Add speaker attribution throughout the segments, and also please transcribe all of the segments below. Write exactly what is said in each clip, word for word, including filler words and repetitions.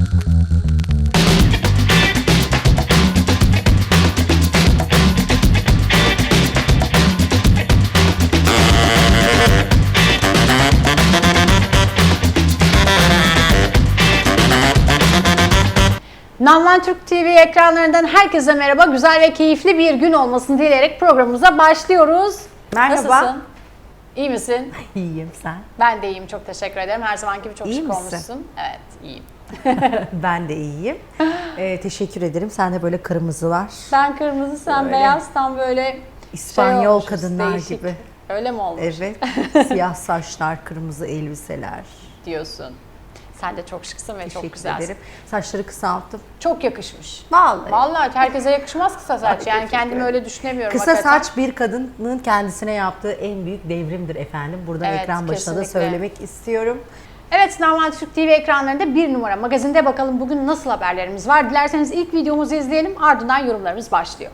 Speaker 1: Namlan Türk T V ekranlarından herkese merhaba. Güzel ve keyifli bir gün olmasını dileyerek programımıza başlıyoruz.
Speaker 2: Merhaba.
Speaker 1: Nasılsın? İyi misin?
Speaker 2: İyiyim, sen?
Speaker 1: Ben de iyiyim, çok teşekkür ederim. Her zamanki gibi çok
Speaker 2: İyi
Speaker 1: şık
Speaker 2: misin?
Speaker 1: olmuşsun. Evet, iyiyim.
Speaker 2: Ben de iyiyim. Ee, teşekkür ederim. Sende böyle kırmızılar.
Speaker 1: Ben kırmızı, sen
Speaker 2: Böyle.
Speaker 1: beyaz, tam böyle
Speaker 2: İspanyol
Speaker 1: şey olmuşuz,
Speaker 2: kadınlar
Speaker 1: değişik.
Speaker 2: gibi.
Speaker 1: Öyle mi olmuş?
Speaker 2: Evet. Siyah saçlar, kırmızı elbiseler.
Speaker 1: Diyorsun. Sen de çok şıksın ve çok
Speaker 2: Teşekkür
Speaker 1: güzelsin.
Speaker 2: ederim. Saçları kısalttım.
Speaker 1: Çok yakışmış.
Speaker 2: Vallahi.
Speaker 1: Vallahi herkese yakışmaz kısa saç.
Speaker 2: Ay,
Speaker 1: Yani
Speaker 2: teşekkür
Speaker 1: kendimi
Speaker 2: ederim.
Speaker 1: öyle düşünemiyorum.
Speaker 2: Kısa
Speaker 1: hakikaten.
Speaker 2: saç bir kadının kendisine yaptığı en büyük devrimdir efendim. Buradan
Speaker 1: Evet,
Speaker 2: ekran başına da
Speaker 1: kesinlikle.
Speaker 2: söylemek istiyorum.
Speaker 1: Evet, Namlan Türk T V ekranlarında bir numara magazinde bakalım bugün nasıl haberlerimiz var. Dilerseniz ilk videomuzu izleyelim, ardından yorumlarımız başlıyor.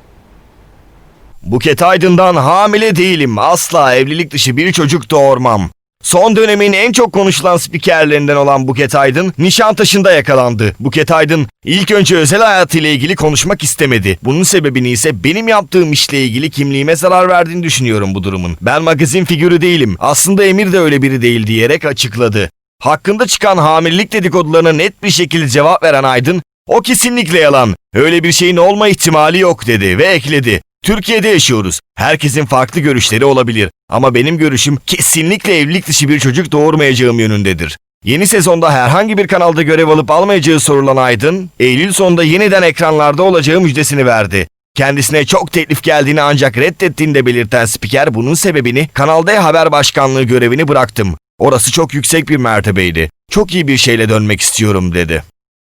Speaker 3: Buket Aydın'dan hamile değilim, asla evlilik dışı bir çocuk doğurmam. Son dönemin en çok konuşulan spikerlerinden olan Buket Aydın, Nişantaşı'nda yakalandı. Buket Aydın ilk önce özel hayatıyla ilgili konuşmak istemedi. Bunun sebebini ise benim yaptığım işle ilgili kimliğime zarar verdiğini düşünüyorum bu durumun. Ben magazin figürü değilim, aslında Emir de öyle biri değil diyerek açıkladı. Hakkında çıkan hamilelik dedikodularına net bir şekilde cevap veren Aydın, o kesinlikle yalan, öyle bir şeyin olma ihtimali yok dedi ve ekledi. Türkiye'de yaşıyoruz. Herkesin farklı görüşleri olabilir. Ama benim görüşüm kesinlikle evlilik dışı bir çocuk doğurmayacağım yönündedir. Yeni sezonda herhangi bir kanalda görev alıp almayacağı sorulan Aydın, Eylül sonunda yeniden ekranlarda olacağı müjdesini verdi. Kendisine çok teklif geldiğini ancak reddettiğini de belirten spiker bunun sebebini Kanal D Haber Başkanlığı görevini bıraktım. Orası çok yüksek bir mertebeydi. Çok iyi bir şeyle dönmek istiyorum dedi.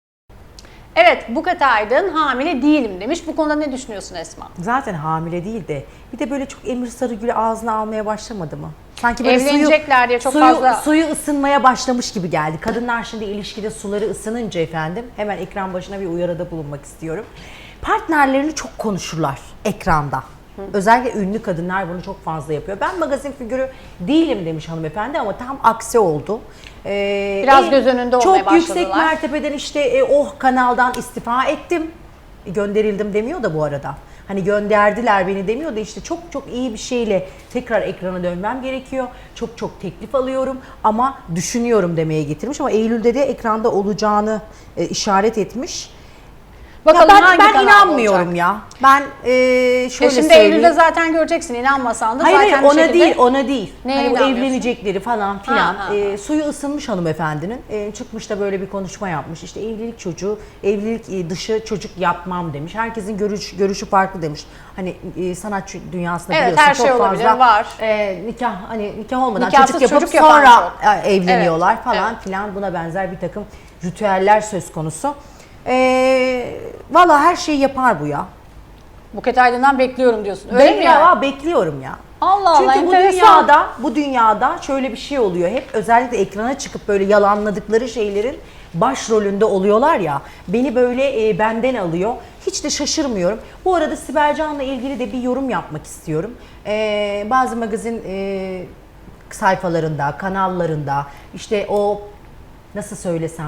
Speaker 1: Evet, Buket Aydın hamile değilim demiş. Bu konuda ne düşünüyorsun Esma?
Speaker 2: Zaten hamile değil de bir de böyle çok Emir Sarıgül'ü ağzına almaya başlamadı mı? Sanki böyle
Speaker 1: Evlenecekler
Speaker 2: suyu,
Speaker 1: diye çok
Speaker 2: suyu,
Speaker 1: fazla-
Speaker 2: suyu ısınmaya başlamış gibi geldi. Kadınlar şimdi ilişkide suları ısınınca efendim hemen ekran başına bir uyarıda bulunmak istiyorum. Partnerlerini çok konuşurlar ekranda. Hı. Özellikle ünlü kadınlar bunu çok fazla yapıyor. Ben magazin figürü değilim demiş hanımefendi ama tam aksi oldu. Ee,
Speaker 1: Biraz göz önünde olmaya
Speaker 2: Çok yüksek
Speaker 1: başladılar.
Speaker 2: mertebeden işte e, oh kanaldan istifa ettim. Gönderildim demiyor da bu arada. Hani gönderdiler beni demiyor da işte çok çok iyi bir şeyle tekrar ekrana dönmem gerekiyor. Çok çok teklif alıyorum ama düşünüyorum demeye getirmiş ama Eylül'de de ekranda olacağını e, işaret etmiş.
Speaker 1: Bakalım
Speaker 2: Ya ben
Speaker 1: hangi
Speaker 2: ben
Speaker 1: kanalda
Speaker 2: inanmıyorum
Speaker 1: olacak?
Speaker 2: ya. Ben e, şöyle
Speaker 1: E şimdi
Speaker 2: söyleyeyim.
Speaker 1: Eylül'de zaten göreceksin, inanmasan da
Speaker 2: Hayır
Speaker 1: zaten
Speaker 2: hayır
Speaker 1: bir
Speaker 2: ona
Speaker 1: şekilde...
Speaker 2: değil ona değil.
Speaker 1: Neye
Speaker 2: Hani bu
Speaker 1: inanmıyorsun?
Speaker 2: evlenecekleri falan filan.
Speaker 1: Ha, ha,
Speaker 2: E, suyu ısınmış hanımefendinin. E, çıkmış da böyle bir konuşma yapmış. İşte evlilik çocuğu, evlilik e, dışı çocuk yapmam demiş. Herkesin görüş, görüşü farklı demiş. Hani e, sanat dünyasında
Speaker 1: Evet,
Speaker 2: biliyorsun
Speaker 1: her şey
Speaker 2: çok
Speaker 1: olabilir,
Speaker 2: fazla
Speaker 1: var.
Speaker 2: E, nikah hani nikah olmadan
Speaker 1: Nikahsız
Speaker 2: çocuk yapıp
Speaker 1: çocuk yapan
Speaker 2: sonra
Speaker 1: çok.
Speaker 2: e, evleniyorlar
Speaker 1: Evet,
Speaker 2: falan
Speaker 1: evet.
Speaker 2: filan. Buna benzer bir takım ritüeller söz konusu. E, Valla her şeyi yapar bu ya.
Speaker 1: Buket Aydın'dan bekliyorum diyorsun. Öyle
Speaker 2: Ben
Speaker 1: mi
Speaker 2: ya,
Speaker 1: yani?
Speaker 2: bekliyorum ya.
Speaker 1: Allah Allah,
Speaker 2: Çünkü bu
Speaker 1: enteresan.
Speaker 2: dünyada, bu dünyada şöyle bir şey oluyor. Hep özellikle ekrana çıkıp böyle yalanladıkları şeylerin başrolünde oluyorlar ya. Beni böyle e, benden alıyor. Hiç de şaşırmıyorum. Bu arada Sibel Can'la ilgili de bir yorum yapmak istiyorum. E, bazı magazin e, sayfalarında, kanallarında işte o nasıl söylesem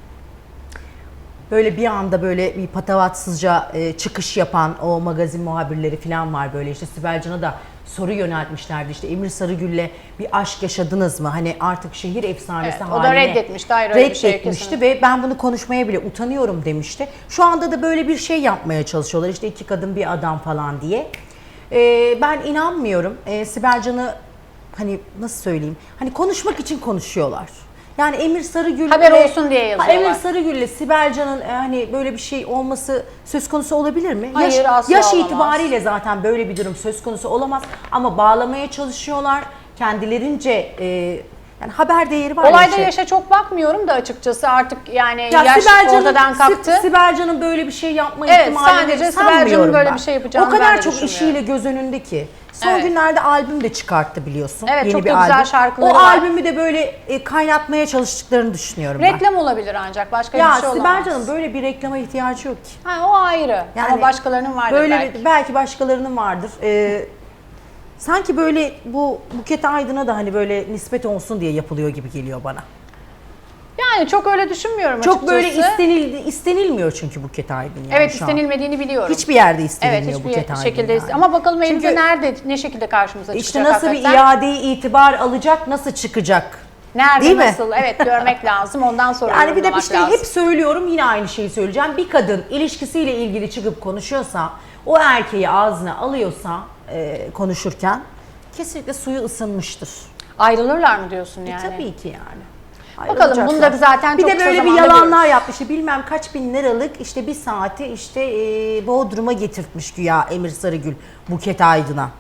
Speaker 2: böyle bir anda böyle bir patavatsızca e, çıkış yapan o magazin muhabirleri falan var böyle işte Sibel Can'a da soru yöneltmişlerdi işte Emir Sarıgül'le bir aşk yaşadınız mı? Hani artık şehir efsanesi
Speaker 1: Evet, o da
Speaker 2: haline
Speaker 1: reddetmişti, hayır öyle bir şey
Speaker 2: reddetmişti
Speaker 1: kesinlikle.
Speaker 2: ve ben bunu konuşmaya bile utanıyorum demişti. Şu anda da böyle bir şey yapmaya çalışıyorlar işte iki kadın bir adam falan diye. E, ben inanmıyorum. E, Sibel Can'ı hani nasıl söyleyeyim? Hani konuşmak için konuşuyorlar. Yani Emir Sarıgül
Speaker 1: Haber olsun diye yazıyorlar.
Speaker 2: Emir Sarıgül'le Sibel Can'ın e, hani böyle bir şey olması söz konusu olabilir mi?
Speaker 1: Hayır,
Speaker 2: yaş,
Speaker 1: asla
Speaker 2: yaş
Speaker 1: olamaz.
Speaker 2: itibariyle zaten böyle bir durum söz konusu olamaz ama bağlamaya çalışıyorlar. Kendilerince e, yani haber değeri var.
Speaker 1: Olayda
Speaker 2: şey.
Speaker 1: yaşa çok bakmıyorum da açıkçası artık yani
Speaker 2: Ya
Speaker 1: yaş
Speaker 2: Sibel Can'ın-
Speaker 1: ortadan kalktı.
Speaker 2: Si- Sibel Can'ın böyle bir şey yapma
Speaker 1: Evet,
Speaker 2: ihtimalini
Speaker 1: sadece Sibel
Speaker 2: sanmıyorum
Speaker 1: Can'ın böyle
Speaker 2: ben.
Speaker 1: bir şey yapacağını
Speaker 2: O kadar
Speaker 1: ben de
Speaker 2: çok
Speaker 1: düşünmüyorum.
Speaker 2: işiyle göz önünde ki. Son
Speaker 1: Evet.
Speaker 2: günlerde albüm de çıkarttı biliyorsun.
Speaker 1: Evet,
Speaker 2: Yeni
Speaker 1: çok
Speaker 2: bir
Speaker 1: da güzel
Speaker 2: albüm.
Speaker 1: şarkıları
Speaker 2: O
Speaker 1: var.
Speaker 2: albümü de böyle e, kaynatmaya çalıştıklarını düşünüyorum ben.
Speaker 1: Reklam olabilir ancak başka
Speaker 2: Ya
Speaker 1: bir şey
Speaker 2: Sibel
Speaker 1: olamaz.
Speaker 2: Can'ın böyle bir reklama ihtiyacı yok ki.
Speaker 1: Ha, o ayrı ama başkalarının vardır
Speaker 2: böyle
Speaker 1: belki.
Speaker 2: Bir, belki başkalarının vardır. Ee, sanki böyle bu Buket Aydın'a da hani böyle nispet olsun diye yapılıyor gibi geliyor bana.
Speaker 1: Yani çok öyle düşünmüyorum
Speaker 2: Çok
Speaker 1: açıkçası.
Speaker 2: böyle istenil, istenilmiyor çünkü Buket Aydın yani
Speaker 1: Evet,
Speaker 2: şu an.
Speaker 1: istenilmediğini biliyorum.
Speaker 2: Hiçbir yerde
Speaker 1: Evet,
Speaker 2: istenilmiyor
Speaker 1: hiçbir
Speaker 2: Buket Aydın
Speaker 1: şekilde
Speaker 2: yani.
Speaker 1: iste- Ama bakalım
Speaker 2: Çünkü
Speaker 1: elimizde nerede, ne şekilde karşımıza çıkacak
Speaker 2: İşte nasıl
Speaker 1: hakikaten.
Speaker 2: bir iade itibar alacak, nasıl çıkacak?
Speaker 1: Nerede,
Speaker 2: Değil mi?
Speaker 1: nasıl? Evet, görmek lazım. Ondan sonra
Speaker 2: Yani bir de
Speaker 1: yorumlamak
Speaker 2: işte
Speaker 1: lazım.
Speaker 2: hep söylüyorum, yine aynı şeyi söyleyeceğim. Bir kadın ilişkisiyle ilgili çıkıp konuşuyorsa, o erkeği ağzına alıyorsa e, konuşurken kesinlikle suyu ısınmıştır.
Speaker 1: Ayrılırlar mı diyorsun yani?
Speaker 2: E, tabii ki yani.
Speaker 1: Bakalım,
Speaker 2: Ayrılacaklar.
Speaker 1: bunu da zaten
Speaker 2: bir
Speaker 1: çok
Speaker 2: de
Speaker 1: kısa
Speaker 2: böyle bir
Speaker 1: zamanda
Speaker 2: yalanlar
Speaker 1: görürüz.
Speaker 2: yapmış. İşte bilmem kaç bin liralık işte bir saati işte e, Bodrum'a getirtmiş güya Emir Sarıgül Buket Aydın'a.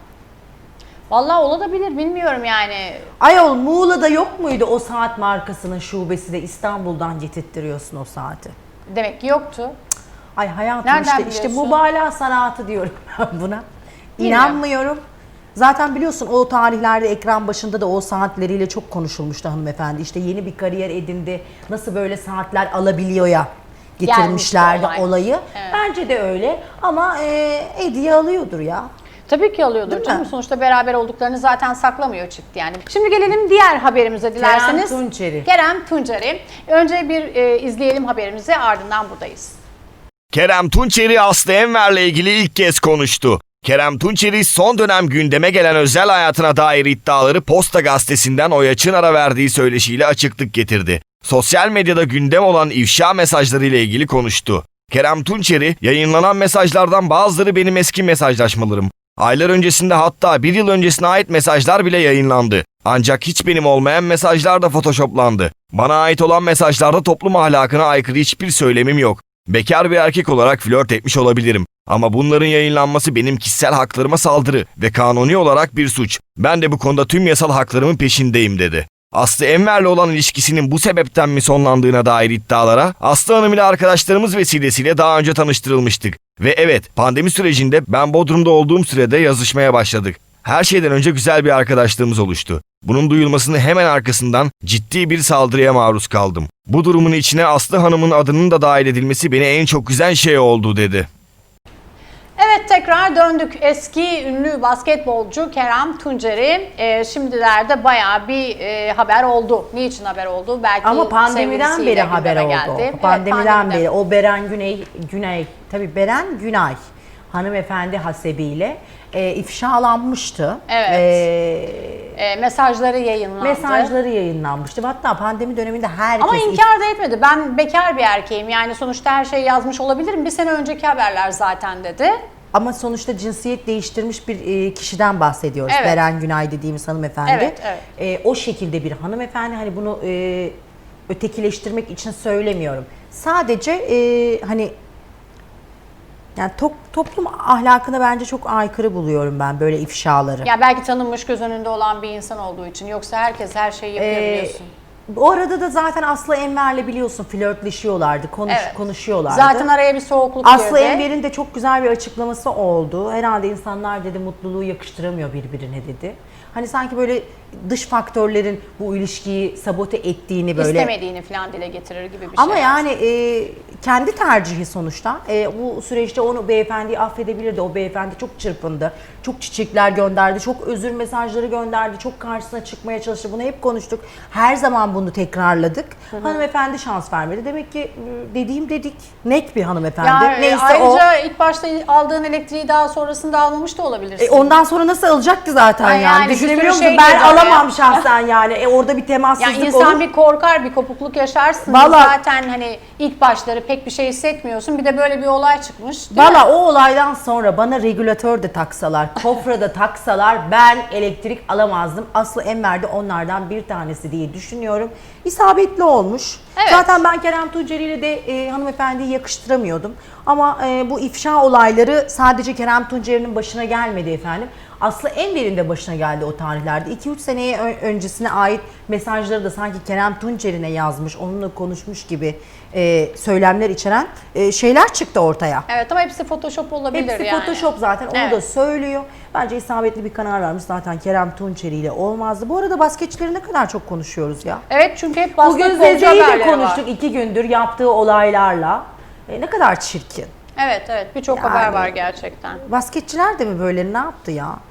Speaker 1: Vallahi olabilir, bilmiyorum yani.
Speaker 2: Ayol, Muğla'da yok muydu o saat markasının şubesi de İstanbul'dan getirttiriyorsun o saati?
Speaker 1: Demek ki yoktu.
Speaker 2: Ay hayatım,
Speaker 1: Nereden
Speaker 2: işte, işte
Speaker 1: biliyorsun?
Speaker 2: mübalağa sanatı diyorum ben buna.
Speaker 1: Bilmiyorum.
Speaker 2: İnanmıyorum. Zaten biliyorsun o tarihlerde ekran başında da o saatleriyle çok konuşulmuştu hanımefendi. İşte yeni bir kariyer edindi. Nasıl böyle saatler alabiliyor ya getirmişlerdi
Speaker 1: Gelmişti olay.
Speaker 2: olayı.
Speaker 1: Evet.
Speaker 2: Bence de öyle ama e, hediye alıyordur ya.
Speaker 1: Tabii ki alıyordur
Speaker 2: Değil
Speaker 1: canım.
Speaker 2: mi?
Speaker 1: Sonuçta beraber olduklarını zaten saklamıyor çıktı yani. Şimdi gelelim diğer haberimize dilerseniz.
Speaker 2: Kerem Tunçeri.
Speaker 1: Kerem Tunçeri. Önce bir e, izleyelim haberimizi, ardından buradayız.
Speaker 3: Kerem Tunçeri Aslı Enver'le ilgili ilk kez konuştu. Kerem Tunçeri son dönem gündeme gelen özel hayatına dair iddiaları Posta Gazetesi'nden Oya Çınar'a verdiği söyleşiyle açıklık getirdi. Sosyal medyada gündem olan ifşa mesajları ile ilgili konuştu. Kerem Tunçeri, yayınlanan mesajlardan bazıları benim eski mesajlaşmalarım. Aylar öncesinde, hatta bir yıl öncesine ait mesajlar bile yayınlandı. Ancak hiç benim olmayan mesajlar da photoshoplandı. Bana ait olan mesajlarda toplum ahlakına aykırı hiçbir söylemim yok. Bekar bir erkek olarak flört etmiş olabilirim. Ama bunların yayınlanması benim kişisel haklarıma saldırı ve kanuni olarak bir suç. Ben de bu konuda tüm yasal haklarımın peşindeyim dedi. Aslı Enver'le olan ilişkisinin bu sebepten mi sonlandığına dair iddialara Aslı Hanım ile arkadaşlarımız vesilesiyle daha önce tanıştırılmıştık. Ve evet, pandemi sürecinde ben Bodrum'da olduğum sürede yazışmaya başladık. Her şeyden önce güzel bir arkadaşlığımız oluştu. Bunun duyulmasının hemen arkasından ciddi bir saldırıya maruz kaldım. Bu durumun içine Aslı Hanım'ın adının da dahil edilmesi beni en çok üzen şey oldu dedi.
Speaker 1: Evet, tekrar döndük. Eski ünlü basketbolcu Kerem Tunçeri e, şimdilerde bayağı bir e, haber oldu. Niçin haber oldu? Belki
Speaker 2: Ama pandemiden
Speaker 1: sevgilisiyle
Speaker 2: beri haber
Speaker 1: gündeme
Speaker 2: oldu.
Speaker 1: geldi. Evet,
Speaker 2: Pandemiden
Speaker 1: pandemiden.
Speaker 2: beri o Beren Güney, Güney tabii Beren Günay hanımefendi hasebiyle e, ifşalanmıştı.
Speaker 1: Evet.
Speaker 2: E,
Speaker 1: E, mesajları yayınlandı.
Speaker 2: mesajları yayınlanmıştı. Hatta pandemi döneminde herkes...
Speaker 1: Ama inkar da etmedi. Ben bekar bir erkeğim. Yani sonuçta her şeyi yazmış olabilirim. Bir sene önceki haberler zaten dedi.
Speaker 2: Ama sonuçta cinsiyet değiştirmiş bir e, kişiden bahsediyoruz.
Speaker 1: Evet.
Speaker 2: Beren Günay dediğimiz hanımefendi.
Speaker 1: Evet, evet.
Speaker 2: E, o şekilde bir hanımefendi. Hani bunu e, ötekileştirmek için söylemiyorum. Sadece e, hani yani to- toplum ahlakına bence çok aykırı buluyorum ben böyle ifşaları.
Speaker 1: Ya belki tanınmış, göz önünde olan bir insan olduğu için. Yoksa herkes her şeyi yapıyor,
Speaker 2: Ee,
Speaker 1: biliyorsun.
Speaker 2: O arada da zaten Aslı Enver'le biliyorsun flörtleşiyorlardı, konuş,
Speaker 1: Evet.
Speaker 2: konuşuyorlardı.
Speaker 1: Zaten araya bir soğukluk
Speaker 2: Aslı
Speaker 1: girdi.
Speaker 2: Enver'in de çok güzel bir açıklaması oldu. Herhalde insanlar dedi mutluluğu yakıştıramıyor birbirine dedi. Hani sanki böyle dış faktörlerin bu ilişkiyi sabote ettiğini böyle.
Speaker 1: İstemediğini falan dile getirir gibi bir şey.
Speaker 2: Ama yani e, kendi tercihi sonuçta. E, bu süreçte onu beyefendiyi affedebilirdi. O beyefendi çok çırpındı. Çok çiçekler gönderdi. Çok özür mesajları gönderdi. Çok karşısına çıkmaya çalıştı. Bunu hep konuştuk. Her zaman bunu tekrarladık. Hı hı. Hanımefendi şans vermedi. Demek ki e, dediğim dedik. Net bir hanımefendi.
Speaker 1: Yani
Speaker 2: Neyse
Speaker 1: ayrıca
Speaker 2: o.
Speaker 1: ilk başta aldığın elektriği daha sonrasında almamış da olabilirsin.
Speaker 2: E, ondan sonra nasıl alacaktı zaten
Speaker 1: Ay
Speaker 2: yani?
Speaker 1: yani bir
Speaker 2: Düşünebiliyor
Speaker 1: sürü
Speaker 2: musun?
Speaker 1: şey
Speaker 2: Ben
Speaker 1: girdi oraya.
Speaker 2: alamam şahsen yani. E, orada bir temassızlık
Speaker 1: Yani insan
Speaker 2: olur.
Speaker 1: bir korkar, bir kopukluk yaşarsın.
Speaker 2: Vallahi-
Speaker 1: Zaten hani ilk başları pek bir şey hissetmiyorsun. Bir de böyle bir olay çıkmış. Değil
Speaker 2: Valla
Speaker 1: mi?
Speaker 2: o olaydan sonra bana regülatör de taksalar, kofra da taksalar ben elektrik alamazdım. Aslı Enver de onlardan bir tanesi diye düşünüyorum. İsabetli olmuş.
Speaker 1: Evet.
Speaker 2: Zaten ben Kerem Tunçeri ile de e, hanımefendiyi yakıştıramıyordum. Ama e, bu ifşa olayları sadece Kerem Tunçeri'nin başına gelmedi efendim. Aslı Enver'in de başına geldi o tarihlerde. iki üç seneye ö- öncesine ait mesajları da sanki Kerem Tunçeri'ne yazmış, onunla konuşmuş gibi e, söylemler içeren e, şeyler çıktı ortaya.
Speaker 1: Evet, ama hepsi Photoshop olabilir
Speaker 2: Hepsi
Speaker 1: yani.
Speaker 2: Photoshop zaten, onu
Speaker 1: Evet.
Speaker 2: da söylüyor. Bence isabetli bir karar vermiş zaten Kerem Tunçeri ile olmazdı. Bu arada basketçileri ne kadar çok konuşuyoruz ya.
Speaker 1: Evet, çünkü hep
Speaker 2: Bugün
Speaker 1: basketbolcu
Speaker 2: Zeze'yi de
Speaker 1: haberleri
Speaker 2: konuştuk
Speaker 1: var.
Speaker 2: iki gündür yaptığı olaylarla. E, ne kadar çirkin.
Speaker 1: Evet, evet. Birçok
Speaker 2: Yani-
Speaker 1: haber var gerçekten.
Speaker 2: Basketçiler de mi böyle ne yaptı ya?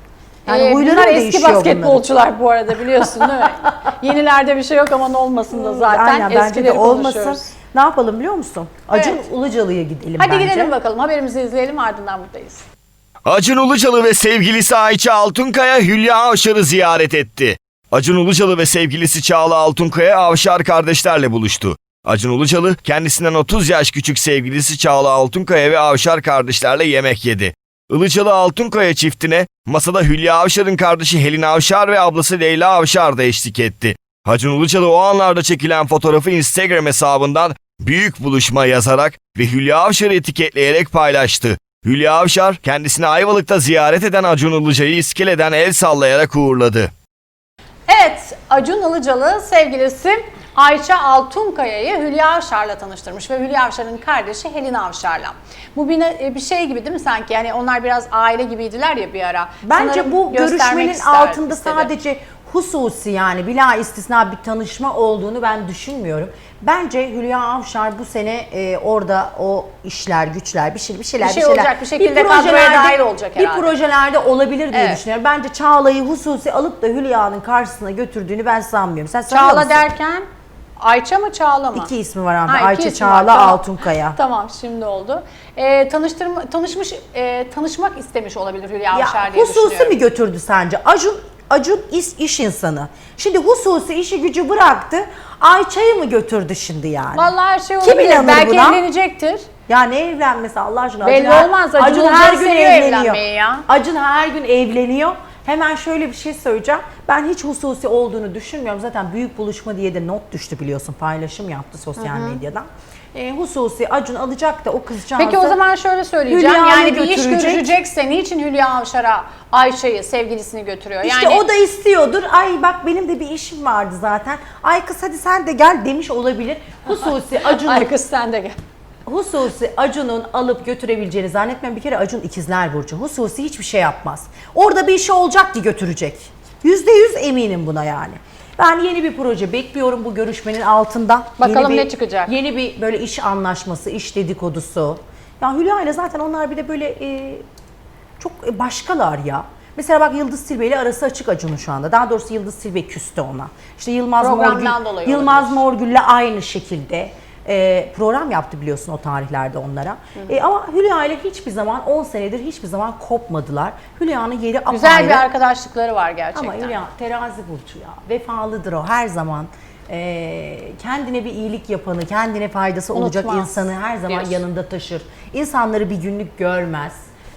Speaker 2: Yani
Speaker 1: Ee,
Speaker 2: huyları
Speaker 1: bunlar
Speaker 2: mı
Speaker 1: eski
Speaker 2: değişiyor
Speaker 1: basketbolcular bu arada, biliyorsun değil mi? Yenilerde bir şey yok ama olmasın da zaten.
Speaker 2: Aynen, bence de
Speaker 1: Eskileri
Speaker 2: olmasın.
Speaker 1: konuşuyoruz.
Speaker 2: Ne yapalım biliyor musun? Acun
Speaker 1: Evet.
Speaker 2: Ilıcalı'ya gidelim
Speaker 1: Hadi
Speaker 2: bence.
Speaker 1: gidelim bakalım, haberimizi izleyelim, ardından buradayız.
Speaker 3: Acun Ilıcalı ve sevgilisi Ayça Altunkaya Hülya Avşar'ı ziyaret etti. Acun Ilıcalı ve sevgilisi Çağla Altunkaya Avşar kardeşlerle buluştu. Acun Ilıcalı kendisinden otuz yaş küçük sevgilisi Çağla Altunkaya ve Avşar kardeşlerle yemek yedi. Ilıcalı Altunkaya çiftine masada Hülya Avşar'ın kardeşi Helin Avşar ve ablası Leyla Avşar da eşlik etti. Acun Ilıcalı o anlarda çekilen fotoğrafı Instagram hesabından büyük buluşma yazarak ve Hülya Avşar'ı etiketleyerek paylaştı. Hülya Avşar kendisini Ayvalık'ta ziyaret eden Acun Ilıcalı'yı iskeleden el sallayarak uğurladı.
Speaker 1: Evet, Acun Ilıcalı sevgilisi Ayça Altunkaya'yı Hülya Avşar'la tanıştırmış ve Hülya Avşar'ın kardeşi Helin Avşar'la. Bu bir, ne- bir şey gibi değil mi sanki? Yani onlar biraz aile gibiydiler ya bir ara.
Speaker 2: Bence
Speaker 1: Sanırım
Speaker 2: bu
Speaker 1: göstermek
Speaker 2: görüşmenin
Speaker 1: ister-
Speaker 2: altında
Speaker 1: istedi.
Speaker 2: sadece hususi, yani bila istisna bir tanışma olduğunu ben düşünmüyorum. Bence Hülya Avşar bu sene e, orada o işler, güçler, bir şey bir şeyler
Speaker 1: Bir şey
Speaker 2: şeyler,
Speaker 1: olacak, bir şekilde kadroya
Speaker 2: projelerde-
Speaker 1: dahil olacak
Speaker 2: Bir
Speaker 1: herhalde.
Speaker 2: projelerde olabilir diye
Speaker 1: Evet.
Speaker 2: düşünüyorum. Bence Çağla'yı hususi alıp da Hülya'nın karşısına götürdüğünü ben sanmıyorum. Sen sanıyor
Speaker 1: Çağla
Speaker 2: musun?
Speaker 1: derken Ayça mı Çağla mı?
Speaker 2: İki ismi var ama
Speaker 1: Ha, iki
Speaker 2: Ayça
Speaker 1: ismi var,
Speaker 2: Çağla
Speaker 1: tamam.
Speaker 2: Altunkaya.
Speaker 1: Tamam, şimdi oldu. Ee, tanıştırma, tanışmış, e, tanışmak istemiş olabilir Hülya Avşar
Speaker 2: Ya
Speaker 1: diye
Speaker 2: hususi
Speaker 1: düşünüyorum.
Speaker 2: mi götürdü sence? Acun Acun iş, iş insanı. Şimdi hususi işi gücü bıraktı. Ayça'yı mı götürdü şimdi yani?
Speaker 1: Vallahi her şey
Speaker 2: Kim
Speaker 1: olabilir.
Speaker 2: inanır
Speaker 1: Belki
Speaker 2: buna?
Speaker 1: evlenecektir.
Speaker 2: Ya ne evlenmesi Allah aşkına?
Speaker 1: Belli
Speaker 2: her-
Speaker 1: olmaz, Acun
Speaker 2: Acun
Speaker 1: Ilıcalı
Speaker 2: her gün
Speaker 1: seviyor
Speaker 2: evleniyor.
Speaker 1: evlenmeyi ya.
Speaker 2: Acun her gün evleniyor. Hemen şöyle bir şey söyleyeceğim. Ben hiç hususi olduğunu düşünmüyorum. Zaten büyük buluşma diye de not düştü biliyorsun. Paylaşım yaptı sosyal medyadan. E, hususi Acun alacak da o kızcağızı.
Speaker 1: Peki o zaman şöyle söyleyeceğim.
Speaker 2: Hülya'yı
Speaker 1: Yani bir iş
Speaker 2: götürecek.
Speaker 1: görüşecekse niçin Hülya Avşar'a Ayşe'yi, sevgilisini götürüyor?
Speaker 2: İşte
Speaker 1: Yani
Speaker 2: o da istiyordur. Ay bak benim de bir işim vardı zaten. Ay kız hadi sen de gel demiş olabilir. Hususi Acun'un
Speaker 1: ay kız sen de gel.
Speaker 2: Hususi Acun'un alıp götürebileceğini zannetmem. Bir kere Acun ikizler burcu. Hususi hiçbir şey yapmaz. Orada bir işi olacak ki götürecek. Yüzde yüz eminim buna yani. Ben yeni bir proje bekliyorum bu görüşmenin altında.
Speaker 1: Bakalım
Speaker 2: Yeni bir-
Speaker 1: ne çıkacak?
Speaker 2: Yeni bir böyle iş anlaşması, iş dedikodusu. Ya Hülya ile zaten onlar bir de böyle e, çok başkalar ya. Mesela bak Yıldız Tilbe ile arası açık Acun'un şu anda. Daha doğrusu Yıldız Tilbe küstü ona. İşte Yılmaz
Speaker 1: Programdan
Speaker 2: Morgül,
Speaker 1: dolayı
Speaker 2: Yılmaz
Speaker 1: olabilir.
Speaker 2: Morgül'le aynı şekilde e, program yaptı biliyorsun o tarihlerde onlara. E, ama Hülya ile hiçbir zaman on senedir hiçbir zaman kopmadılar. Hülya'nın yeri apayrı.
Speaker 1: Güzel bir arkadaşlıkları var gerçekten.
Speaker 2: Ama Hülya terazi burcu ya. Vefalıdır o her zaman. E, kendine bir iyilik yapanı, kendine faydası olacak
Speaker 1: Unutmaz
Speaker 2: insanı her zaman
Speaker 1: diyorsun.
Speaker 2: yanında taşır. İnsanları bir günlük görmez.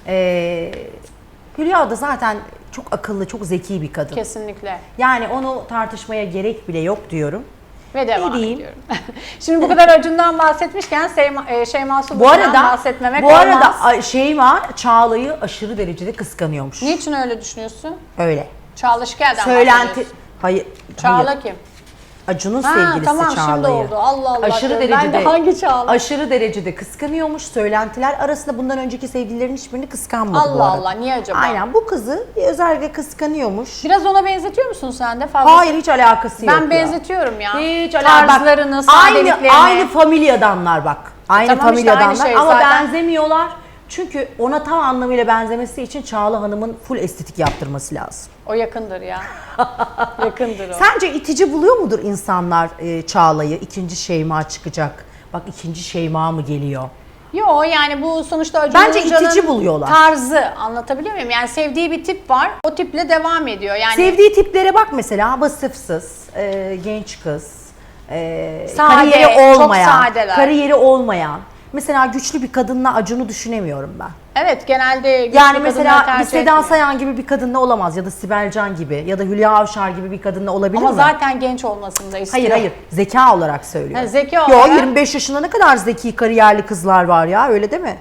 Speaker 2: E, Hülya da zaten çok akıllı, çok zeki bir kadın.
Speaker 1: Kesinlikle.
Speaker 2: Yani onu tartışmaya gerek bile yok diyorum.
Speaker 1: Ve devam
Speaker 2: Ne diyeyim?
Speaker 1: ediyorum. Şimdi bu kadar Acun'dan bahsetmişken Şeyma, e, Şeyma
Speaker 2: Bu
Speaker 1: Subaşı'dan
Speaker 2: arada
Speaker 1: bahsetmemek
Speaker 2: bu
Speaker 1: olmaz.
Speaker 2: arada a- Şeyma Çağla'yı aşırı derecede kıskanıyormuş.
Speaker 1: Niçin öyle düşünüyorsun?
Speaker 2: Öyle.
Speaker 1: Çağla Şikel'den
Speaker 2: Söylenti
Speaker 1: bahsediyorsun.
Speaker 2: hayır.
Speaker 1: Çağla
Speaker 2: hayır.
Speaker 1: kim?
Speaker 2: Acun'un
Speaker 1: Ha,
Speaker 2: sevgilisi
Speaker 1: tamam, şimdi
Speaker 2: Çağla'yı.
Speaker 1: oldu. Allah Allah.
Speaker 2: Aşırı
Speaker 1: Ben de
Speaker 2: derecede
Speaker 1: hangi Çağla?
Speaker 2: Aşırı derecede kıskanıyormuş. Söylentiler arasında bundan önceki sevgililerin hiçbirini kıskanmadı
Speaker 1: Allah
Speaker 2: bu arada.
Speaker 1: Allah, niye acaba?
Speaker 2: Aynen bu kızı özellikle kıskanıyormuş.
Speaker 1: Biraz ona benzetiyor musun sen de? Fazla.
Speaker 2: Hayır hiç alakası yok
Speaker 1: Ben
Speaker 2: ya.
Speaker 1: benzetiyorum ya.
Speaker 2: Hiç alakası.
Speaker 1: Tarzlarını,
Speaker 2: Aynı,
Speaker 1: sadeliklerini.
Speaker 2: aynı familyadanlar bak. Aynı
Speaker 1: Tamam işte,
Speaker 2: familyadanlar
Speaker 1: aynı şey
Speaker 2: ama
Speaker 1: zaten.
Speaker 2: benzemiyorlar. Çünkü ona tam anlamıyla benzemesi için Çağla Hanım'ın full estetik yaptırması lazım.
Speaker 1: O yakındır ya. Yakındır o.
Speaker 2: Sence itici buluyor mudur insanlar e, Çağla'yı? İkinci Şeyma çıkacak. Bak ikinci Şeyma mı geliyor?
Speaker 1: Yo, yani bu sonuçta Acun
Speaker 2: Bence
Speaker 1: Ilıcalı'nın
Speaker 2: itici buluyorlar.
Speaker 1: tarzı, anlatabiliyor muyum? Yani sevdiği bir tip var, o tiple devam ediyor. Yani
Speaker 2: Sevdiği tiplere bak mesela vasıfsız, e, genç kız, e,
Speaker 1: Sade,
Speaker 2: kariyeri
Speaker 1: çok
Speaker 2: olmayan,
Speaker 1: sadeler.
Speaker 2: kariyeri olmayan. Mesela güçlü bir kadınla Acun'u düşünemiyorum ben.
Speaker 1: evet, genelde güçlü
Speaker 2: Yani
Speaker 1: kadınları
Speaker 2: mesela bir
Speaker 1: tercih
Speaker 2: Seda
Speaker 1: etmiyor.
Speaker 2: Sayan gibi bir kadınla olamaz ya da Sibel Can gibi ya da Hülya Avşar gibi bir kadınla olabilir
Speaker 1: Ama
Speaker 2: mi?
Speaker 1: zaten genç olmasını da istiyor.
Speaker 2: Hayır hayır zeka olarak söylüyorum.
Speaker 1: Ha, zeka
Speaker 2: Yo,
Speaker 1: olarak-
Speaker 2: yirmi beş yaşında ne kadar zeki kariyerli kızlar var ya öyle değil mi?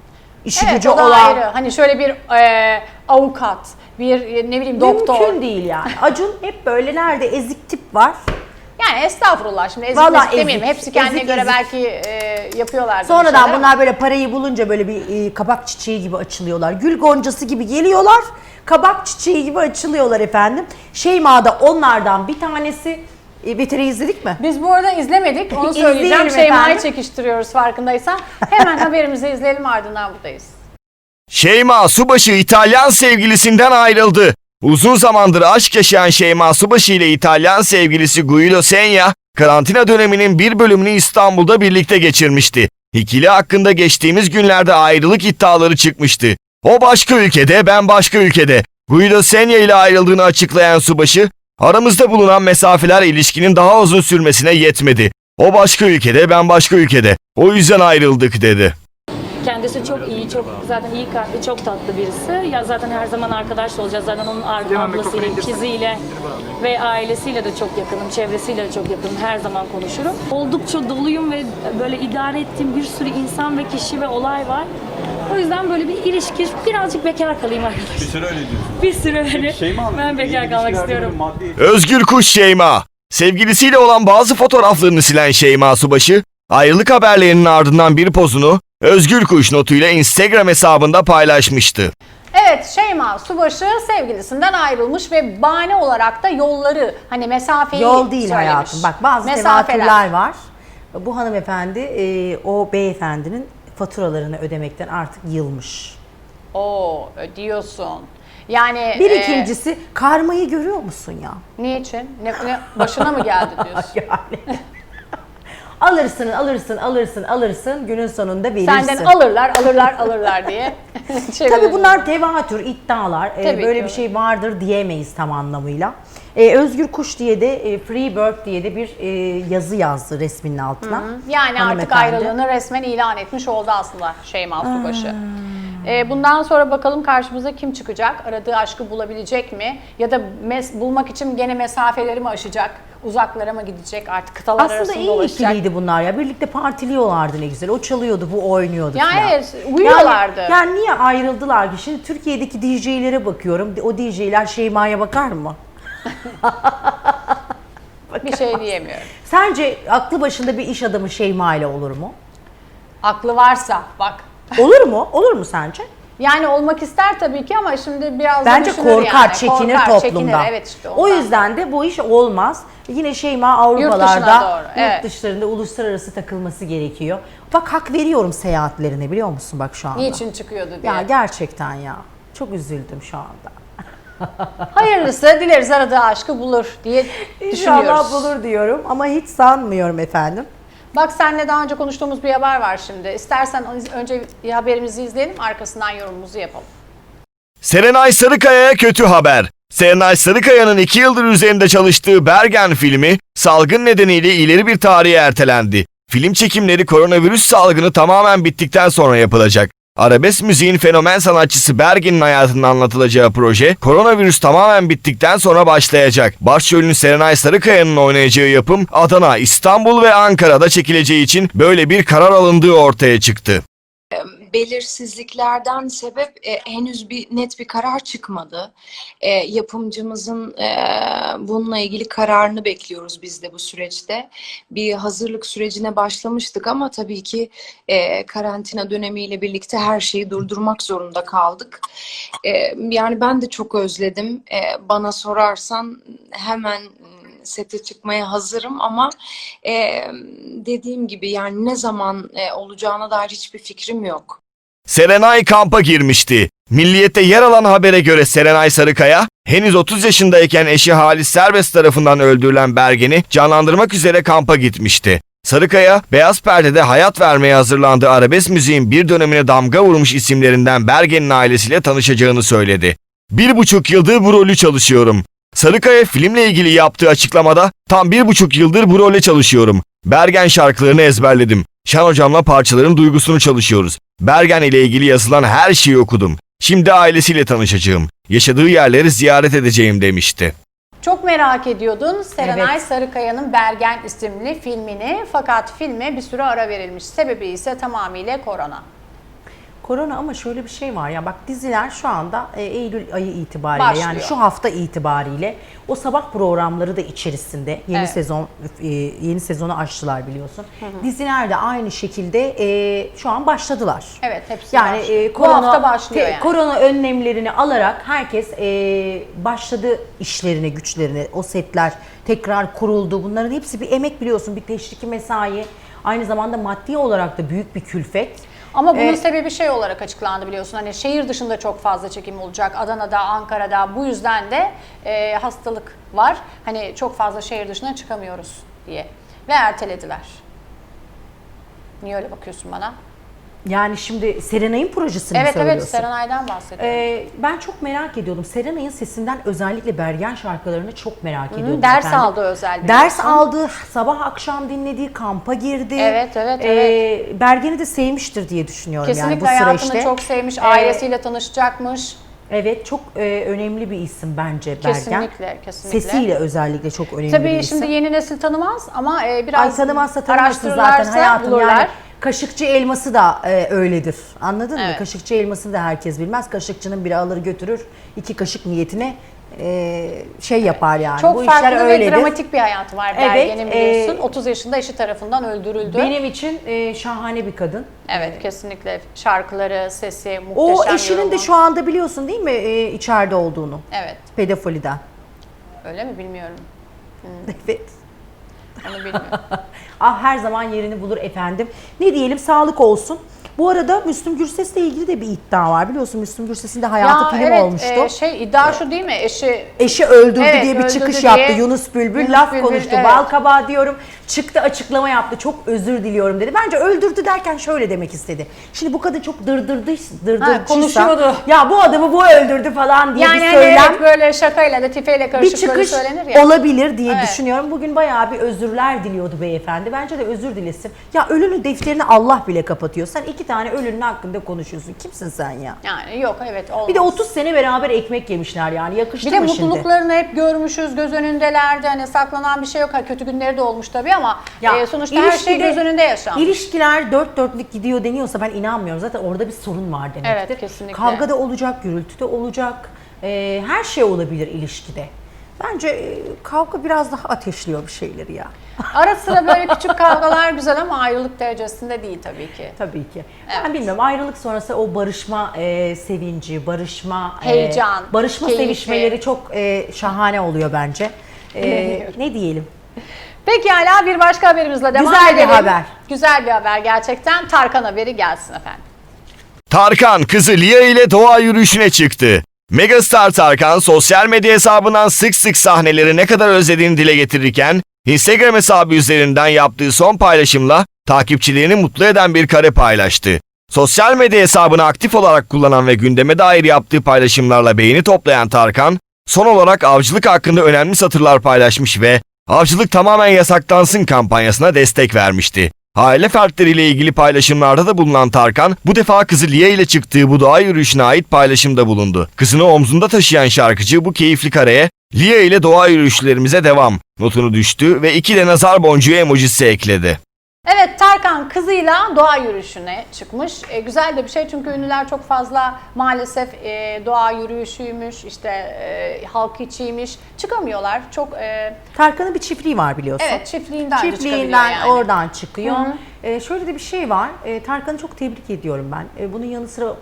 Speaker 2: İşi
Speaker 1: Evet,
Speaker 2: gücü
Speaker 1: o da
Speaker 2: olan.
Speaker 1: ayrı. Hani şöyle bir e, avukat, bir e, ne bileyim doktor.
Speaker 2: Mümkün değil yani. Acun hep böyle nerede ezik tip var.
Speaker 1: Yani estağfurullah, şimdi ezik
Speaker 2: Vallahi
Speaker 1: mezik demeyeyim.
Speaker 2: ezik,
Speaker 1: Hepsi kendine
Speaker 2: ezik,
Speaker 1: göre
Speaker 2: ezik.
Speaker 1: belki e, yapıyorlar.
Speaker 2: Sonradan bunlar böyle parayı bulunca böyle bir e, kabak çiçeği gibi açılıyorlar. Gül goncası gibi geliyorlar. Kabak çiçeği gibi açılıyorlar efendim. Şeyma da onlardan bir tanesi. E, Beteri izledik mi?
Speaker 1: Biz bu arada izlemedik. Onu
Speaker 2: İzleyelim
Speaker 1: söyleyeceğim. Şeyma'yı
Speaker 2: efendim.
Speaker 1: çekiştiriyoruz farkındaysan. Hemen haberimizi izleyelim, ardından buradayız.
Speaker 3: Şeyma Subaşı İtalyan sevgilisinden ayrıldı. Uzun zamandır aşk yaşayan Şeyma Subaşı ile İtalyan sevgilisi Guido Senya, karantina döneminin bir bölümünü İstanbul'da birlikte geçirmişti. İkili hakkında geçtiğimiz günlerde ayrılık iddiaları çıkmıştı. O başka ülkede, ben başka ülkede. Guido Senya ile ayrıldığını açıklayan Subaşı, aramızda bulunan mesafeler ilişkinin daha uzun sürmesine yetmedi. O başka ülkede, ben başka ülkede. O yüzden ayrıldık dedi.
Speaker 4: Kendisi çok iyi, çok zaten iyi kalpli, çok tatlı birisi. Ya zaten her zaman arkadaş olacağız. Zaten onun ablasıyla, ikiziyle ve ailesiyle de çok yakınım, çevresiyle de çok yakınım. Her zaman konuşurum. Oldukça doluyum ve böyle idare ettiğim bir sürü insan ve kişi ve olay var. O yüzden böyle bir ilişki, birazcık bekar kalayım arkadaşlar.
Speaker 5: Bir süre öyle diyorsun.
Speaker 4: Bir süre öyle.
Speaker 5: Şeyma,
Speaker 4: Ben bekar kalmak istiyorum.
Speaker 5: Maddi...
Speaker 3: Özgür Kuş Şeyma. Sevgilisiyle olan bazı fotoğraflarını silen Şeyma Subaşı, ayrılık haberlerinin ardından bir pozunu Özgür Kuş notuyla Instagram hesabında paylaşmıştı.
Speaker 1: Evet, Şeyma Subaşı sevgilisinden ayrılmış ve bahane olarak da yolları, hani mesafeyi
Speaker 2: Yol değil
Speaker 1: söylemiş.
Speaker 2: hayatım. Bak bazı
Speaker 1: Mesafeler.
Speaker 2: tevatürler var. Bu hanımefendi e, o beyefendinin faturalarını ödemekten artık yılmış.
Speaker 1: Oo, diyorsun. Yani
Speaker 2: Bir
Speaker 1: e,
Speaker 2: ikincisi karmayı görüyor musun ya?
Speaker 1: niçin? Ne, ne başına mı geldi diyorsun?
Speaker 2: Yani. Alırsın, alırsın, alırsın, alırsın. Günün sonunda verirsin.
Speaker 1: Senden alırlar, alırlar, alırlar diye.
Speaker 2: Tabii bunlar tevatür, iddialar. Ee,
Speaker 1: Tabii
Speaker 2: böyle
Speaker 1: ki.
Speaker 2: bir şey vardır diyemeyiz tam anlamıyla. Ee, Özgür Kuş diye de e, Free Bird diye de bir e, yazı yazdı resminin altına.
Speaker 1: Yani artık
Speaker 2: Hanımefendi.
Speaker 1: ayrılığını resmen ilan etmiş oldu aslında Şeyma Subaşı. Ee, bundan sonra bakalım karşımıza kim çıkacak? Aradığı aşkı bulabilecek mi? Ya da mes- bulmak için gene mesafeleri mi aşacak? Uzaklara mı gidecek? Artık kıtalar
Speaker 2: Aslında
Speaker 1: arasında
Speaker 2: iyi
Speaker 1: dolaşacak.
Speaker 2: ikiliydi bunlar ya. Birlikte partiliyorlardı ne güzel. O çalıyordu, bu oynuyordu
Speaker 1: Ya
Speaker 2: falan.
Speaker 1: evet, uyuyorlardı.
Speaker 2: Yani, yani niye ayrıldılar ki? Şimdi Türkiye'deki D J'lere bakıyorum. O D J'ler Şeyma'ya bakar mı?
Speaker 1: Bir şey diyemiyorum.
Speaker 2: Sence aklı başında bir iş adamı Şeyma ile olur mu?
Speaker 1: Aklı varsa bak.
Speaker 2: Olur mu? Olur mu sence?
Speaker 1: Yani olmak ister tabii ki ama şimdi biraz da
Speaker 2: Bence
Speaker 1: düşünür
Speaker 2: korkar,
Speaker 1: yani.
Speaker 2: çekinir
Speaker 1: Korkar,
Speaker 2: toplumda.
Speaker 1: çekinir, evet işte
Speaker 2: o
Speaker 1: ondan.
Speaker 2: yüzden de bu iş olmaz. Yine Şeyma
Speaker 1: dışına
Speaker 2: Avrupalarda,
Speaker 1: doğru,
Speaker 2: yurt
Speaker 1: evet.
Speaker 2: dışlarında uluslararası takılması gerekiyor. Bak hak veriyorum seyahatlerine, biliyor musun bak şu anda.
Speaker 1: Niçin çıkıyordu diye.
Speaker 2: Ya gerçekten ya. Çok üzüldüm şu anda.
Speaker 1: Hayırlısı, dileriz aradığı aşkı bulur diye düşünüyoruz.
Speaker 2: İnşallah bulur diyorum ama hiç sanmıyorum efendim.
Speaker 1: Bak seninle daha önce konuştuğumuz bir haber var şimdi. İstersen önce haberimizi izleyelim, arkasından yorumumuzu yapalım.
Speaker 3: Serenay Sarıkaya'ya kötü haber. Serenay Sarıkaya'nın iki yıldır üzerinde çalıştığı Bergen filmi salgın nedeniyle ileri bir tarihe ertelendi. Film çekimleri koronavirüs salgını tamamen bittikten sonra yapılacak. Arabesk müziğin fenomen sanatçısı Bergen'in hayatının anlatılacağı proje koronavirüs tamamen bittikten sonra başlayacak. Başrolünün Serenay Sarıkaya'nın oynayacağı yapım Adana, İstanbul ve Ankara'da çekileceği için böyle bir karar alındığı ortaya çıktı.
Speaker 6: Belirsizliklerden sebep e, henüz bir net bir karar çıkmadı. E, yapımcımızın e, bununla ilgili kararını bekliyoruz biz de bu süreçte. Bir hazırlık sürecine başlamıştık ama tabii ki e, karantina dönemiyle birlikte her şeyi durdurmak zorunda kaldık. E, yani ben de çok özledim. E, bana sorarsan hemen sete çıkmaya hazırım ama e, dediğim gibi yani ne zaman e, olacağına dair hiçbir fikrim yok.
Speaker 3: Serenay kampa girmişti. Milliyet'te yer alan habere göre Serenay Sarıkaya, henüz otuz yaşındayken eşi Halis Serbest tarafından öldürülen Bergen'i canlandırmak üzere kampa gitmişti. Sarıkaya, beyaz perdede hayat vermeye hazırlandığı arabesk müziğin bir dönemine damga vurmuş isimlerinden Bergen'in ailesiyle tanışacağını söyledi. Bir buçuk yıldır bu rolü çalışıyorum. Sarıkaya filmle ilgili yaptığı açıklamada tam bir buçuk yıldır bu role çalışıyorum. Bergen şarkılarını ezberledim. Şen hocamla parçaların duygusunu çalışıyoruz. Bergen ile ilgili yazılan her şeyi okudum. Şimdi ailesiyle tanışacağım. Yaşadığı yerleri ziyaret edeceğim demişti.
Speaker 1: Çok merak ediyordun Serenay
Speaker 2: Evet.
Speaker 1: Sarıkaya'nın Bergen isimli filmini, fakat filme bir süre ara verilmiş. Sebebi ise tamamıyla korona.
Speaker 2: Korona ama şöyle bir şey var ya, bak diziler şu anda e, Eylül ayı itibariyle
Speaker 1: Başlıyor.
Speaker 2: yani şu hafta itibariyle o sabah programları da içerisinde yeni
Speaker 1: Evet.
Speaker 2: sezon e, yeni sezonu açtılar biliyorsun. Diziler de aynı şekilde e, şu an başladılar.
Speaker 1: Evet, hepsi
Speaker 2: Yani
Speaker 1: başlıyor.
Speaker 2: e,
Speaker 1: Bu
Speaker 2: korona,
Speaker 1: hafta başlıyor
Speaker 2: te-
Speaker 1: yani.
Speaker 2: korona önlemlerini alarak herkes e, başladı işlerine, güçlerine. O setler tekrar kuruldu. Bunların hepsi bir emek biliyorsun, bir teşviki mesai. Aynı zamanda maddi olarak da büyük bir külfet.
Speaker 1: Ama bunun
Speaker 2: Ee,
Speaker 1: sebebi şey olarak açıklandı biliyorsun. Hani şehir dışında çok fazla çekim olacak. Adana'da, Ankara'da, bu yüzden de e, hastalık var. Hani çok fazla şehir dışına çıkamıyoruz diye. Ve ertelediler. Niye öyle bakıyorsun bana?
Speaker 2: Yani şimdi Serenay'ın projesini mi
Speaker 1: Evet evet,
Speaker 2: söylüyorsun?
Speaker 1: Serenay'dan bahsediyorum.
Speaker 2: Ee, ben çok merak ediyordum. Serenay'ın sesinden özellikle Bergen şarkılarını çok merak ediyordum.
Speaker 1: ders
Speaker 2: efendim.
Speaker 1: aldı özel
Speaker 2: Ders
Speaker 1: biliyorsun.
Speaker 2: aldı, sabah akşam dinlediği, kampa girdi.
Speaker 1: Evet, evet,
Speaker 2: Ee, Bergen'i de sevmiştir diye düşünüyorum
Speaker 1: Kesinlikle
Speaker 2: yani bu
Speaker 1: hayatını
Speaker 2: süreçte.
Speaker 1: çok sevmiş,
Speaker 2: Ee,
Speaker 1: ailesiyle tanışacakmış.
Speaker 2: Evet, çok e, önemli bir isim bence Bergen.
Speaker 1: Kesinlikle, kesinlikle.
Speaker 2: Sesiyle özellikle çok önemli bir
Speaker 1: Tabii
Speaker 2: isim.
Speaker 1: şimdi yeni nesil tanımaz ama e, biraz
Speaker 2: Ay tanımazsa tanımasın zaten
Speaker 1: araştırırlarsa
Speaker 2: hayatım
Speaker 1: bulurlar.
Speaker 2: yani. Kaşıkçı elması da e, öyledir. Anladın mı?
Speaker 1: Evet.
Speaker 2: Kaşıkçı elmasını da herkes bilmez. Kaşıkçının biri alır götürür. iki kaşık niyetine e, şey yapar yani.
Speaker 1: Çok
Speaker 2: Bu
Speaker 1: farklı
Speaker 2: işler
Speaker 1: ve
Speaker 2: öyledir.
Speaker 1: dramatik bir hayatı var
Speaker 2: Evet,
Speaker 1: Bergen'in biliyorsun.
Speaker 2: e,
Speaker 1: otuz yaşında eşi tarafından öldürüldü.
Speaker 2: Benim için e, şahane bir kadın.
Speaker 1: Evet kesinlikle şarkıları, sesi
Speaker 2: O
Speaker 1: muhteşem.
Speaker 2: eşinin
Speaker 1: yorumu.
Speaker 2: de şu anda biliyorsun değil mi e, içeride olduğunu.
Speaker 1: Evet,
Speaker 2: Pedofiliden.
Speaker 1: öyle mi bilmiyorum.
Speaker 2: Evet.
Speaker 1: Onu bilmiyorum.
Speaker 2: Ah her zaman yerini bulur efendim. Ne diyelim sağlık olsun. Bu arada Müslüm Gürses'le ilgili de bir iddia var. Biliyorsun Müslüm Gürses'in de hayatı film
Speaker 1: evet,
Speaker 2: olmuştu.
Speaker 1: e, şey iddia şu değil mi? Eşi
Speaker 2: Eşi öldürdü
Speaker 1: Evet,
Speaker 2: diye bir
Speaker 1: öldürdü
Speaker 2: çıkış
Speaker 1: diye.
Speaker 2: yaptı. Yunus Bülbül
Speaker 1: Yunus
Speaker 2: laf
Speaker 1: Bülbül,
Speaker 2: konuştu.
Speaker 1: evet.
Speaker 2: Bal kabağı diyorum. Çıktı açıklama yaptı. Çok özür diliyorum dedi. Bence öldürdü derken şöyle demek istedi. Şimdi bu kadın çok dırdırdı, dırdırcıysa.
Speaker 1: konuşuyordu.
Speaker 2: Ya bu adamı bu öldürdü falan diye
Speaker 1: yani
Speaker 2: bir
Speaker 1: hani
Speaker 2: söylem.
Speaker 1: evet, böyle şakayla da tifeyle
Speaker 2: Bir
Speaker 1: karışık böyle
Speaker 2: çıkış
Speaker 1: söylenir ya.
Speaker 2: olabilir diye
Speaker 1: Evet.
Speaker 2: düşünüyorum. Bugün bayağı bir özürler diliyordu beyefendi. Bence de özür dilesin. Ya ölünün defterini Allah bile kapatıyor. Sen iki tane ölünün hakkında konuşuyorsun. Kimsin sen ya?
Speaker 1: Yani yok evet olmaz.
Speaker 2: Bir de otuz sene beraber ekmek yemişler yani. Yakıştı
Speaker 1: Bir de
Speaker 2: mı şimdi?
Speaker 1: mutluluklarını hep görmüşüz, göz önündelerdi. Hani saklanan bir şey yok. Ha, kötü günleri de olmuş tabii ama
Speaker 2: Ya,
Speaker 1: e, sonuçta her şey
Speaker 2: ilişkide-
Speaker 1: göz önünde yaşanmış.
Speaker 2: İlişkiler dört dörtlük gidiyor deniyorsa ben inanmıyorum. Zaten orada bir sorun var demektir.
Speaker 1: Evet, kesinlikle.
Speaker 2: Kavga da olacak, gürültü de olacak. Ee, her şey olabilir ilişkide. Bence e, kavga biraz daha ateşliyor bir şeyleri ya.
Speaker 1: Ara sıra böyle küçük kavgalar güzel ama ayrılık derecesinde değil tabii ki.
Speaker 2: Tabii ki.
Speaker 1: Evet.
Speaker 2: Ben bilmiyorum ayrılık sonrası o barışma e, sevinci, barışma, e,
Speaker 1: Heyecan,
Speaker 2: barışma
Speaker 1: keyfi.
Speaker 2: sevişmeleri çok e, şahane oluyor bence. E,
Speaker 1: Bilmiyorum.
Speaker 2: ne diyelim?
Speaker 1: Peki hala bir başka haberimizle devam
Speaker 2: Güzel bir
Speaker 1: edelim.
Speaker 2: haber.
Speaker 1: Güzel bir haber gerçekten. Tarkan haberi gelsin efendim.
Speaker 3: Tarkan kızı Lia ile doğa yürüyüşüne çıktı. Megastar Tarkan sosyal medya hesabından sık sık sahneleri ne kadar özlediğini dile getirirken Instagram hesabı üzerinden yaptığı son paylaşımla takipçilerini mutlu eden bir kare paylaştı. Sosyal medya hesabını aktif olarak kullanan ve gündeme dair yaptığı paylaşımlarla beğeni toplayan Tarkan, son olarak avcılık hakkında önemli satırlar paylaşmış ve avcılık tamamen yasaklansın kampanyasına destek vermişti. Aile fertleriyle ilgili paylaşımlarda da bulunan Tarkan, bu defa kızı Lia ile çıktığı bu doğa yürüyüşüne ait paylaşımda bulundu. Kızını omzunda taşıyan şarkıcı bu keyifli kareye, Lia ile doğa yürüyüşlerimize devam notunu düştü ve iki de nazar boncuğu emojisi ekledi.
Speaker 1: Evet Tarkan kızıyla doğa yürüyüşüne çıkmış. E, güzel de bir şey çünkü ünlüler çok fazla maalesef e, doğa yürüyüşüymüş, işte e, halk içiymiş. Çıkamıyorlar. Çok e,
Speaker 2: Tarkan'ın bir çiftliği var biliyorsun.
Speaker 1: evet çiftliğinden, de çıkabiliyor
Speaker 2: Çiftliğinden
Speaker 1: yani.
Speaker 2: oradan çıkıyor.
Speaker 1: Hı hı.
Speaker 2: Ee, şöyle de bir şey var. Ee, Tarkan'ı çok tebrik ediyorum ben. Ee, bunun yanı sıra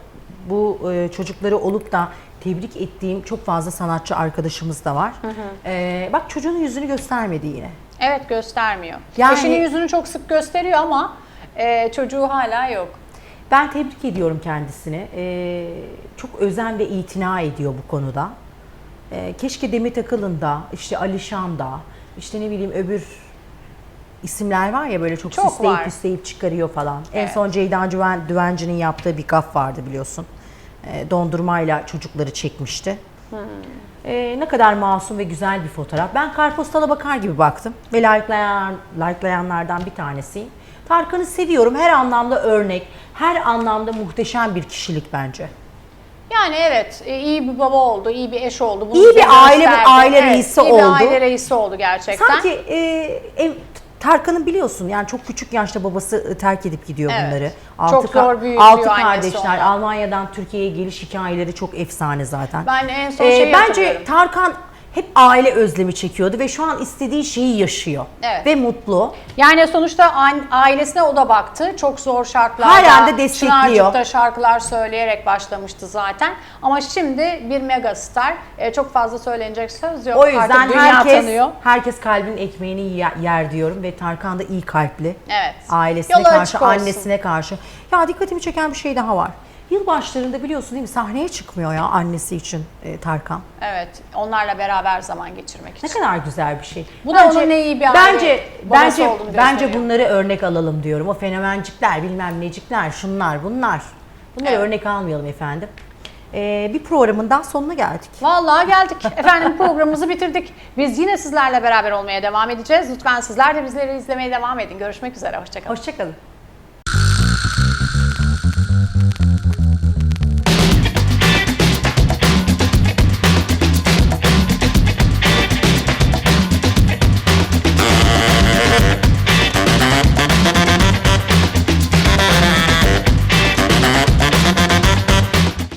Speaker 2: bu e, çocukları olup da tebrik ettiğim çok fazla sanatçı arkadaşımız da var. Ee, bak çocuğun yüzünü göstermedi yine.
Speaker 1: Evet göstermiyor.
Speaker 2: Yani-
Speaker 1: Eşinin yüzünü çok sık gösteriyor ama e, çocuğu hala yok.
Speaker 2: Ben tebrik ediyorum kendisini. Ee, çok özen ve itina ediyor bu konuda. Ee, keşke Demet Akalın da, işte Alişan da, işte ne bileyim öbür isimler var ya böyle çok,
Speaker 1: Çok
Speaker 2: süsleyip
Speaker 1: var.
Speaker 2: püsleyip çıkarıyor falan. En
Speaker 1: Evet.
Speaker 2: son Ceyda Düven- Düvenci'nin yaptığı bir gaf vardı biliyorsun. Ee, dondurmayla çocukları çekmişti. Ee, ne kadar masum ve güzel bir fotoğraf. Ben kartpostala bakar gibi baktım ve likelayan, likelayanlardan bir tanesiyim. Tarkan'ı seviyorum. Her anlamda örnek, her anlamda muhteşem bir kişilik bence.
Speaker 1: Yani evet e, iyi bir baba oldu, iyi bir eş oldu. Bunu
Speaker 2: İyi bir
Speaker 1: bize
Speaker 2: aile-
Speaker 1: gösterdi.
Speaker 2: aile
Speaker 1: Evet,
Speaker 2: reisi
Speaker 1: iyi
Speaker 2: oldu.
Speaker 1: bir aile reisi oldu gerçekten.
Speaker 2: Sanki e, ev, Tarkan'ın biliyorsun yani çok küçük yaşta babası e, terk edip gidiyor
Speaker 1: Evet.
Speaker 2: bunları.
Speaker 1: Çok
Speaker 2: ka-
Speaker 1: zor büyütüyor
Speaker 2: altı
Speaker 1: annesi
Speaker 2: kardeşler.
Speaker 1: onu.
Speaker 2: Almanya'dan Türkiye'ye geliş hikayeleri çok efsane zaten.
Speaker 1: Ben en son
Speaker 2: Ee,
Speaker 1: şeyi
Speaker 2: bence
Speaker 1: hatırlıyorum.
Speaker 2: Tarkan hep aile özlemi çekiyordu ve şu an istediği şeyi yaşıyor.
Speaker 1: Evet.
Speaker 2: Ve mutlu.
Speaker 1: Yani sonuçta a- ailesine o da baktı. Çok zor şartlarda.
Speaker 2: Halen de destekliyor.
Speaker 1: Çınarcık'ta şarkılar söyleyerek başlamıştı zaten. Ama şimdi bir megastar. E, çok fazla söylenecek söz yok.
Speaker 2: O yüzden
Speaker 1: Artık dünya
Speaker 2: herkes
Speaker 1: tanıyor.
Speaker 2: herkes kalbinin ekmeğini yer, yer diyorum ve Tarkan da iyi kalpli.
Speaker 1: Evet.
Speaker 2: Ailesine
Speaker 1: Yolu
Speaker 2: karşı,
Speaker 1: açık olsun.
Speaker 2: annesine karşı. Ya dikkatimi çeken bir şey daha var. Yılbaşlarında biliyorsun değil mi, sahneye çıkmıyor ya annesi için e, Tarkan.
Speaker 1: Evet. Onlarla beraber zaman geçirmek için.
Speaker 2: Ne kadar güzel bir şey.
Speaker 1: Bu da onun ne iyi bir aile
Speaker 2: Bence
Speaker 1: babası
Speaker 2: bence
Speaker 1: olduğunu
Speaker 2: bence
Speaker 1: gösteriyor.
Speaker 2: bunları örnek alalım diyorum. O fenomencikler, bilmem necikler, şunlar, bunlar. Bunları
Speaker 1: Evet.
Speaker 2: örnek almayalım efendim. Ee, bir programın sonuna geldik.
Speaker 1: Vallahi geldik. Efendim programımızı bitirdik. Biz yine sizlerle beraber olmaya devam edeceğiz. Lütfen sizler de bizleri izlemeye devam edin. Görüşmek üzere. Hoşçakalın.
Speaker 2: Hoşçakalın.